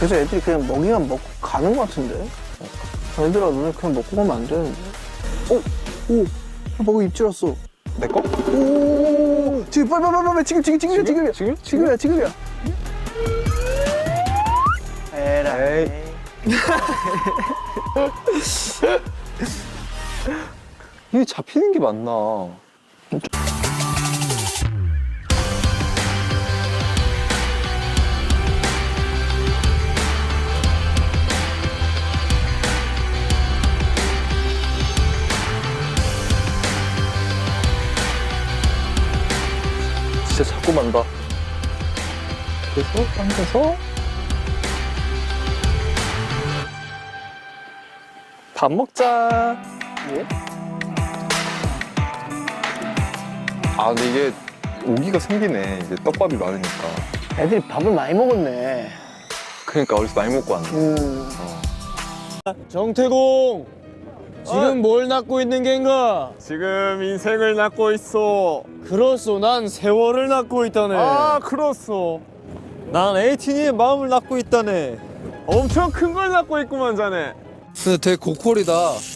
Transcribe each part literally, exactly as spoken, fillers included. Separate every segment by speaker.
Speaker 1: 그래서 애들이 그냥 먹이만 먹고 가는 것 같은데? 얘들아, 너네 그냥 먹고 가면 안 되는데? 어? 오! 먹이 입질었어.
Speaker 2: 내 거?
Speaker 1: 오! 지금 빨리 빨리 빨리 지금 지금 지금이야 지금이야
Speaker 2: 지금?
Speaker 1: 지금이야 지금이야. 에라이.
Speaker 2: 이게 잡히는 게 맞나? 진짜 자꾸 만다. 그래서 당겨서 밥 먹자.
Speaker 1: 예?
Speaker 2: 아 근데 이게 오기가 생기네. 이제 떡밥이 많으니까.
Speaker 1: 애들이 밥을 많이 먹었네.
Speaker 2: 그러니까 어디서 많이 먹고 왔네.
Speaker 1: 음.
Speaker 3: 정태공! 지금 뭘 낳고 있는 겐가?
Speaker 4: 지금 인생을 낳고 있어.
Speaker 3: 그렇소, 난 세월을 낳고 있다네.
Speaker 4: 아, 그렇소.
Speaker 3: 난 에이틴이의 마음을 낳고 있다네.
Speaker 4: 엄청 큰 걸 낳고 있구만, 자네.
Speaker 5: 근데 되게 고퀄이다.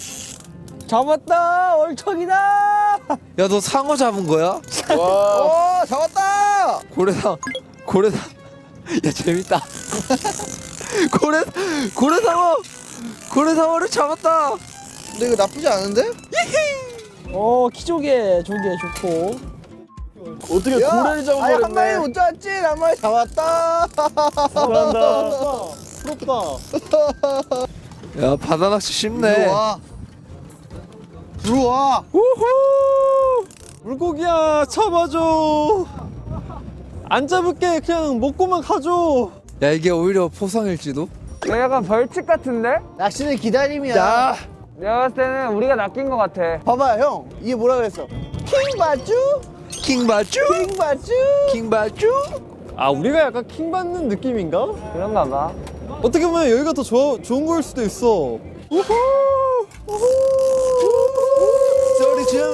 Speaker 3: 잡았다! 얼척이다!
Speaker 5: 야, 너 상어 잡은 거야?
Speaker 3: 와, 오, 잡았다!
Speaker 5: 고래상, 고래상. 야, 재밌다. 고래, 고래상어! 고래상어를 잡았다!
Speaker 3: 근데 이거 나쁘지 않은데? 어, 키조개, 조개 좋고. 어떻게 고래를 잡아버렸네. 아니, 한 마리 못 잡았지? 한 마리 잡았다! 잘한다. 부럽다.
Speaker 5: 야, 바다 낚시 쉽네.
Speaker 3: 들어와. 들어와. 우후! 물고기야, 잡아줘. 안 잡을게. 그냥 먹고만 가줘.
Speaker 5: 야, 이게 오히려 포상일지도?
Speaker 1: 이거 약간 벌칙 같은데?
Speaker 3: 낚시는 기다림이야.
Speaker 1: 야. 내가 봤을 때는 우리가 낚인 것 같아.
Speaker 3: 봐봐, 형. 이게 뭐라 그랬어? 킹바쭈?
Speaker 5: 킹바쭈?
Speaker 3: 킹바쭈?
Speaker 5: 킹바쭈?
Speaker 3: 아, 우리가 약간 킹 받는 느낌인가?
Speaker 1: 그런가 봐.
Speaker 3: 어떻게 보면 여기가 더 좋아, 좋은 거일 수도 있어. 우후! 우후!
Speaker 5: 소리 질러!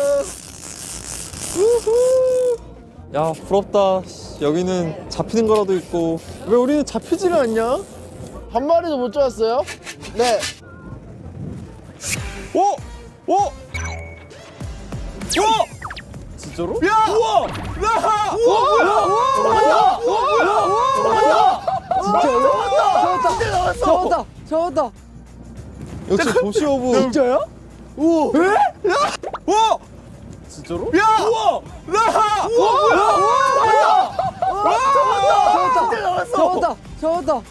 Speaker 3: 우후! 야, 부럽다. 여기는 잡히는 거라도 있고. 왜 우리는 잡히지를 않냐? 한 마리도 못 잡았어요? 네. 오! 오! 오! 진짜로? 야! 우와! 야! 우와! 우와! 우와! 우와! 진짜로? 잡았다! 진짜 나왔어! 잡았다! 잡았다! 역시 도시어부. 진짜야? 우와! 에? 야! 우와! 진짜로? 야! 우와! 야! 우와! 우와! 우와! 잡았다! 진짜 나왔어! 잡았다! 잡았다!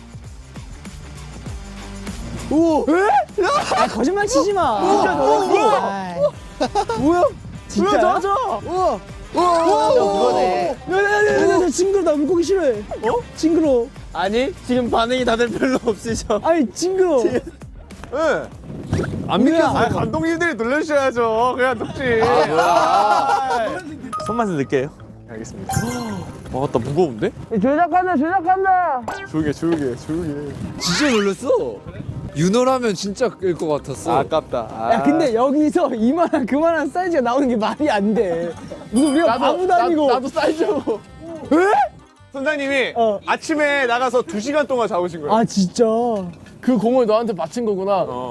Speaker 3: 오! 에? 야! 아, 거짓말 치지 마! 진짜 잡았어! 뭐야? 진짜 잡았어! 우와! 우와! 그거네. 야야야야, 징그러. 나 물고기 싫어해. 어? 징그러. 아니, 지금 반응이 다들 별로 없으셔. 아니, 징그러.
Speaker 4: 예.
Speaker 3: 안 믿겨.
Speaker 4: 아, 감독님들이 놀려주셔야죠. 그냥 녹지.
Speaker 3: 손맛을 느껴요.
Speaker 4: 알겠습니다.
Speaker 3: 와, 나 무거운데?
Speaker 1: 조작한다, 조작한다.
Speaker 4: 조용히, 조용히, 조용히.
Speaker 5: 진짜 놀랐어. 윤호라면 진짜 끌 것 같았어.
Speaker 3: 아깝다. 아.
Speaker 1: 야, 근데 여기서 이만한 그만한 사이즈가 나오는 게 말이 안 돼. 무슨 우리가 바보도 아니고.
Speaker 3: 나도 사이즈고.
Speaker 4: 선장님이
Speaker 1: 어.
Speaker 4: 아침에 나가서 두 시간 동안 잡으신 거예요.
Speaker 1: 아, 진짜.
Speaker 3: 그 공을 너한테 바친 거구나.
Speaker 4: 어.